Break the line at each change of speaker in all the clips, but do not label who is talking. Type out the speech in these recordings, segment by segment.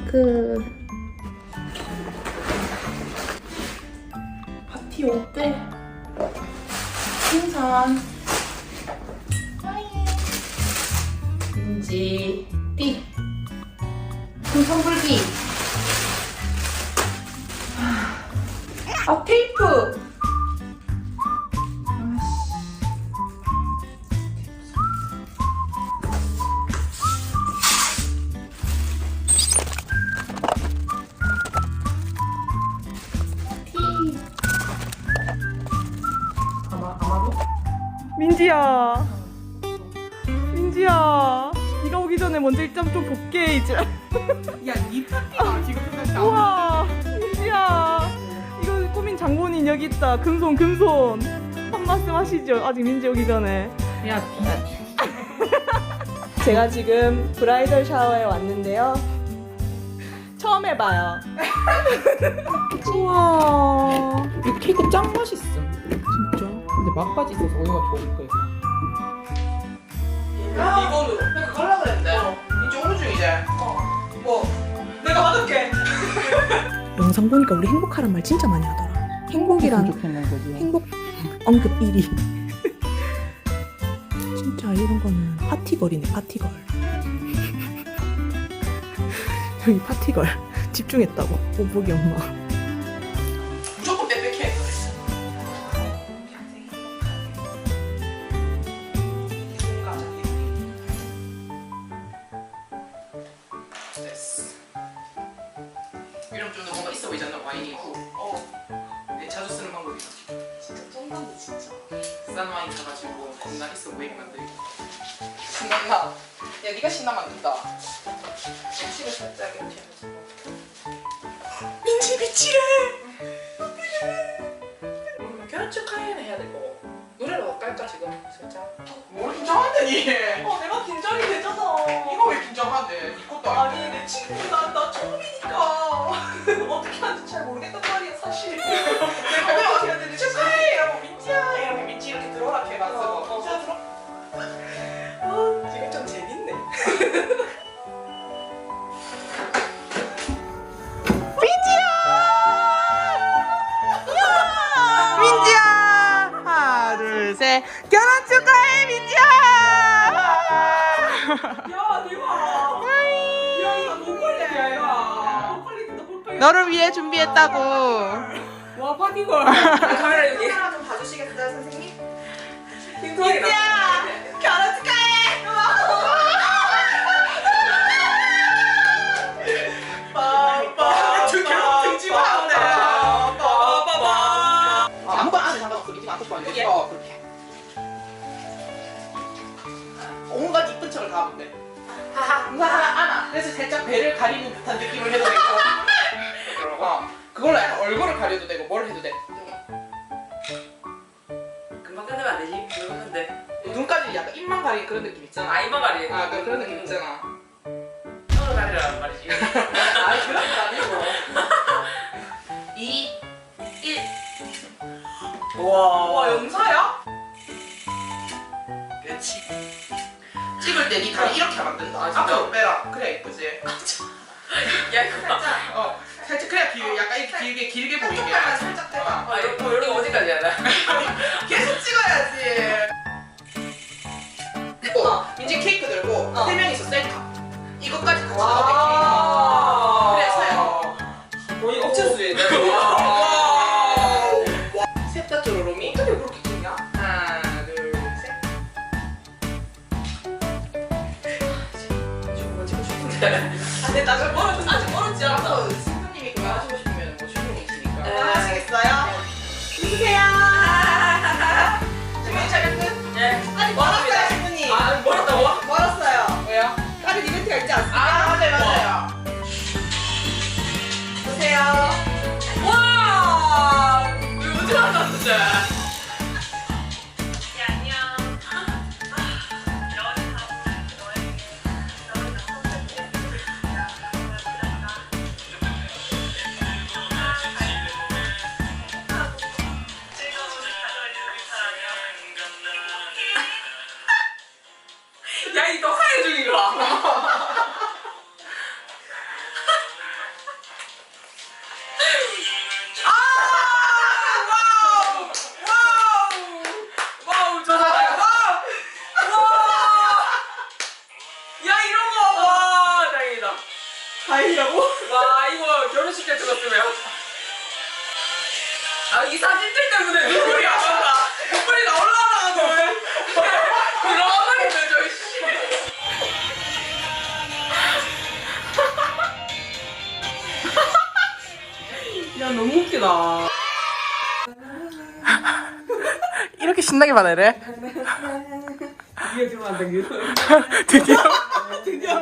핑크. 파티 옷들. 풍선. 민지. 띠. 풍선 불기. 아, 테이프.
민지야, 민지야, 네가 오기 전에 먼저 입장 좀 볼게 이제.
야, 이 파티가 지금 끝났다.
우와, 민지야, 이거 꾸민 장본인 여기 있다. 금손, 금손. 한 말씀 하시죠. 아직 민지 오기 전에.
야,
제가 지금 브라이덜 샤워에 왔는데요. 처음 해봐요. 우와,
이 케이크 짱 맛있어. 진짜. 근데 막바지 있어서 오이가 좋을 거예요.
이거는 내가 갈라 그랬는데 이제 오는 중이제. 뭐 내가 받을게.
영상 보니까 우리 행복하란 말 진짜 많이 하더라. 행복이란
좋겠는 거지.
행복 언급 1위. 진짜 이런 거는 파티걸이네, 파티걸. 여기 파티걸 집중했다고 오복이 엄마.
무조건 빽빽해. 됐어. 이러면 좀 더 뭔가 있어 보이잖아, 와인이. 내 자주 쓰는 방법이다.
진짜 쩐다네 진짜.
싼 와인 사가지고 겁나 있어 보이게 만들고. 신난다. 야, 네가 신나 만든다. 음식을 살짝 이렇게 해가지고. 민지 미치래. 결혼 축하해는 해야 되고 노래로 깔까 지금 살짝. 뭘 긴장한다니?
내가 긴장이 되잖아.
이거 왜 긴장한데? 네 것도 아니고.
아니 내 친구가 나 처음이니까 어떻게 하는지 잘 모르겠단 말이야 사실. 내가 어떻게 해야 되는지
축하해! 이러고 민지야! 이렇게 민지 이렇게 들어라 이렇게 해놨어. 민지야 들어.
지금 좀 재밌네.
민지야! 하나 둘 셋. 결혼 축하해 민지야!
야 대박. 야 이거 목걸이야 얘가. 목걸리다 목걸리.
너를 위해 준비했다고.
와 파티걸. 카메라 여기. 카메라 좀 봐주시겠어요 선생님? 민지야 결혼 축하해. 빠빠.
등지마한데.
빠빠빠.
아무거나 안에 상관없어. 민지가 안고 싶어 안 돼. 그렇게. 온갖 이쁜 척을 다 하면 돼. 하하 안아. 그래서 살짝 배를 가리는 듯한 느낌을 해도 되고. 그걸로 약간 얼굴을 가려도 되고 뭘 해도 돼.
금방 끝내면 안 되지? 그러는데.
눈까지 약간 입만 가리는 그런 느낌 있잖아.
아 이만 가리.
아, 그런 느낌 있잖아.
서로 가리라는 말이지.
아니 그런 거 아니고. 2, 1.
와 영사야?
그렇지. 찍을 때 니 다리 이렇게 하면 안 된다.
아, 진짜?
앞으로 빼라. 그래 이쁘지.
야 이거
살짝. 살짝 그래야 약간 이렇게 길게 보이게. 한쪽만 살짝 떼봐.
아 이거 이런 거 어디까지 하나?
계속 찍어야지. 민지 케이크 들고 3명이서 셀카. 이것까지 같이 넣어. 그래서요.
뭐 이거 억체수에
셋다 쪼로로미.
어떻게 그렇게 찍냐?
하나, 둘, 셋.
저거 찍고 싶은데. 근데 나중에 멀어졌어. 아직 멀었지 않아.
또 신부님이 그거 하시고 싶으면 뭐 충분히 있으니까.
하시겠어요?
주세요. 준비 촬영 끝.
네.
아니 멀었어요 신부님.
아 멀었다고?
멀었어요.
왜요?
다른 이벤트가 있지 않습니까? 아 맞아요. 보세요.
와! 이거 어떻게 알았는데?
아, 이 사진들 때문에 눈물이 안 난다. 눈물이 나올라나, 너. 그러면 되죠, 씨.
야 너무 웃기다.
이렇게 신나게 받아래?
이게 좀 안 당겨.
드디어.
드디어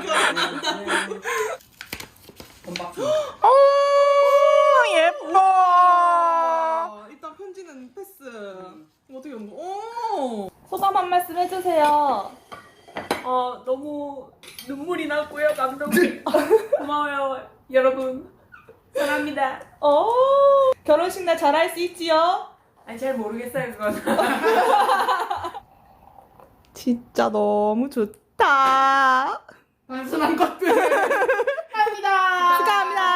오, 예뻐.
일단 편지는 패스. 어떻게 한 거? 오.
소감 한 말씀 해주세요.
너무 눈물이 났고요. 감동이 고마워요, 여러분. 사랑합니다.
결혼식 날 잘할 수 있지요?
아니 잘 모르겠어요 그건.
진짜 너무 좋다.
단순한 것들. 감사합니다.
축하합니다.